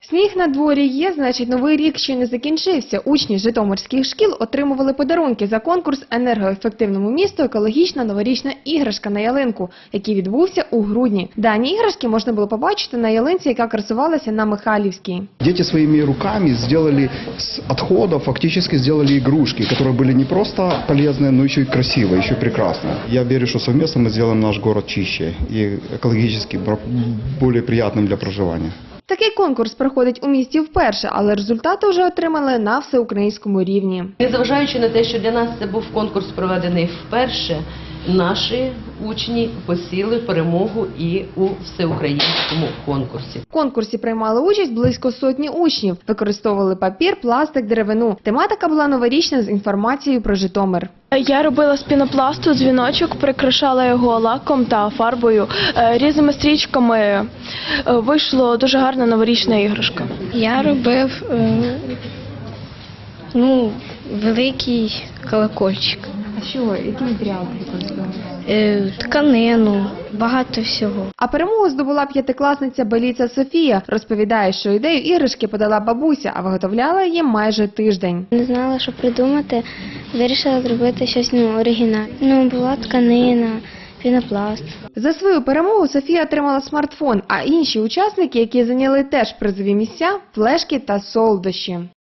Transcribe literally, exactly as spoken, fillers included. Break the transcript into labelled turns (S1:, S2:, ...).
S1: Сніг на дворі є, значить новий рік ще не закінчився. Учні житомирських шкіл отримували подарунки за конкурс «Енергоефективному місту. Екологічна новорічна іграшка на ялинку», який відбувся у грудні. Дані іграшки можна було побачити на ялинці, яка красувалася на Михайлівській.
S2: Дети своими руками сделали с отходов, фактически сделали игрушки, которые были не просто полезные, но еще и красивые, еще и прекрасные. Я верю, что совместно мы сделаем наш город чище и экологически более приятным для проживания.
S1: Такий конкурс проходить у місті вперше, але результати вже отримали на всеукраїнському рівні.
S3: Незважаючи на те, що для нас це був конкурс проведений вперше, наші учні посіли перемогу і у всеукраїнському конкурсі.
S1: В конкурсі приймали участь близько сотні учнів. Використовували папір, пластик, деревину. Тематика була новорічна з інформацією про Житомир.
S4: Я робила з пінопласту дзвіночок, прикрашала його лаком та фарбою, різними стрічками. Вийшло дуже гарна новорічна іграшка.
S5: Я робив ну, великий колокольчик.
S1: А що? Який матеріал використовували?
S5: Е, тканину, багато всього.
S1: А перемогу здобула п'ятикласниця Беліця Софія. Розповідає, що ідею іграшки подала бабуся, а виготовляла її майже тиждень.
S5: Не знала, що придумати, вирішила зробити щось ну, оригінальне. Ну, була тканина, пінопласт.
S1: За свою перемогу Софія отримала смартфон, а інші учасники, які зайняли теж призові місця – флешки та солодощі.